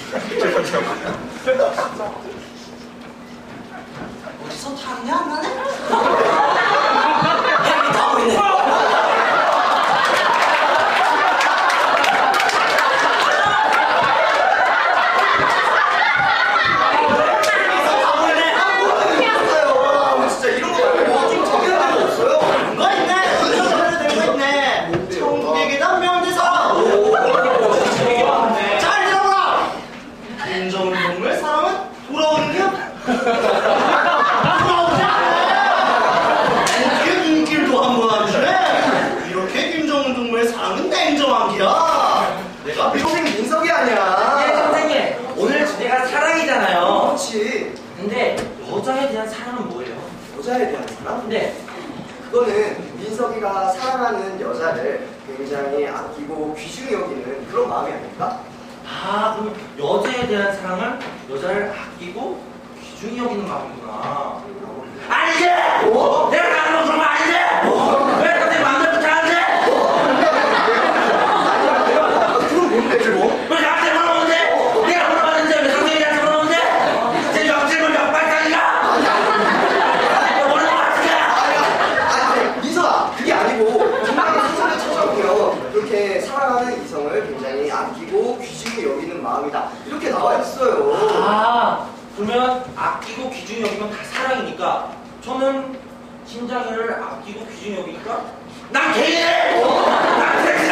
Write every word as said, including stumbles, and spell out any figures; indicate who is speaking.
Speaker 1: 어디서 탔냐 안 나네? 헬기 타고 있네.
Speaker 2: 근데 여자에 대한 사랑은 뭐예요?
Speaker 3: 여자에 대한 사랑?
Speaker 2: 네.
Speaker 3: 그거는 민석이가 사랑하는 여자를 굉장히 아끼고 귀중히 여기는 그런 마음이 아닐까?
Speaker 2: 아, 그럼 여자에 대한 사랑은 여자를 아끼고 귀중히 여기는 마음이구나. 아니지! 어? 내가 나는 그런 거 아니지! 어? 왜 갑자기 마음대로 못하는데?
Speaker 3: 그럼 뭔데 그거?
Speaker 2: 왜 나한테 물어보는데? 어? 내가 물어봤는데 왜 상대한테 물어보는데? 제 옆질문 역발상인가? 모르는 거 같은데?
Speaker 3: 아니, 민석아, 그게 아니고 정말 소설을 찾아보면 이렇게 사랑하는 이성을 굉장히 아끼고 귀중히 여기는 마음이다 이렇게 나와 있어요.
Speaker 2: 아, 그러면 아끼고 귀중히 여기면 다 사랑이니까 저는 신장이를 아끼고 귀중히 여기니까 난 개이네! 난 섹스!